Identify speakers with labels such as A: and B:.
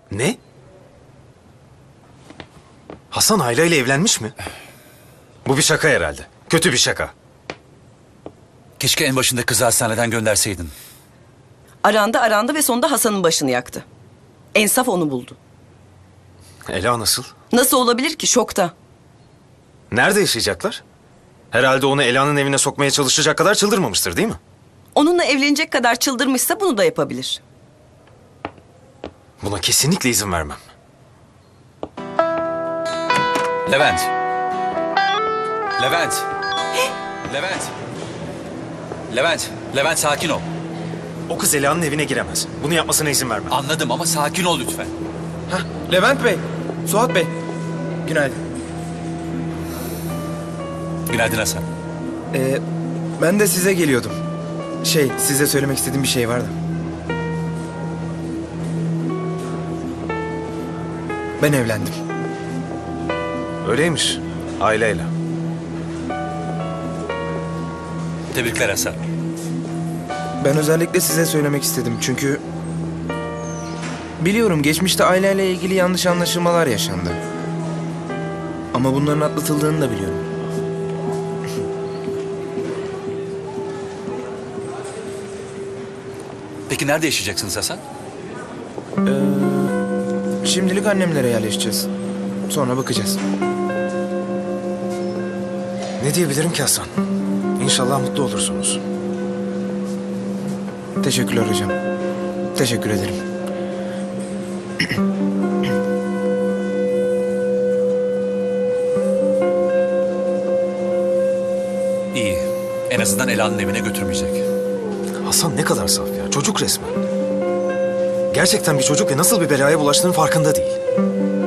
A: Ne? Hasan Ayla ile evlenmiş mi? Bu bir şaka herhalde. Kötü bir şaka.
B: Keşke en başında kızı hastaneden gönderseydin.
C: Arandı ve sonunda Hasan'ın başını yaktı. Ensaf onu buldu.
A: Ela nasıl?
C: Nasıl olabilir ki? Şokta.
A: Nerede yaşayacaklar? Herhalde onu Ela'nın evine sokmaya çalışacak kadar çıldırmamıştır değil mi?
C: Onunla evlenecek kadar çıldırmışsa bunu da yapabilir.
A: Buna kesinlikle izin vermem.
B: Levent. Levent. Levent. Levent. Levent sakin ol.
A: O kız Ela'nın evine giremez. Bunu yapmasına izin vermem.
B: Anladım ama sakin ol lütfen.
D: Hah, Levent Bey, Suat Bey. Günaydın.
B: Günaydın Hasan.
D: Ben de size geliyordum. Size söylemek istediğim bir şey vardı. Ben evlendim.
A: Öyleymiş. Aileyle.
B: Tebrikler Hasan.
D: Ben özellikle size söylemek istedim çünkü... Biliyorum geçmişte aileyle ilgili yanlış anlaşılmalar yaşandı. Ama bunların atlatıldığını da biliyorum.
B: Peki nerede yaşayacaksınız Hasan?
D: Şimdilik annemlere yerleşeceğiz. Sonra bakacağız.
A: Ne diyebilirim ki Hasan? İnşallah mutlu olursunuz.
D: Teşekkürler hocam. Teşekkür ederim.
B: İyi. En azından Ela'nın evine götürmeyecek.
A: Hasan ne kadar saf ya. Çocuk resmen. Gerçekten bir çocuk ve nasıl bir belaya bulaştığının farkında değil.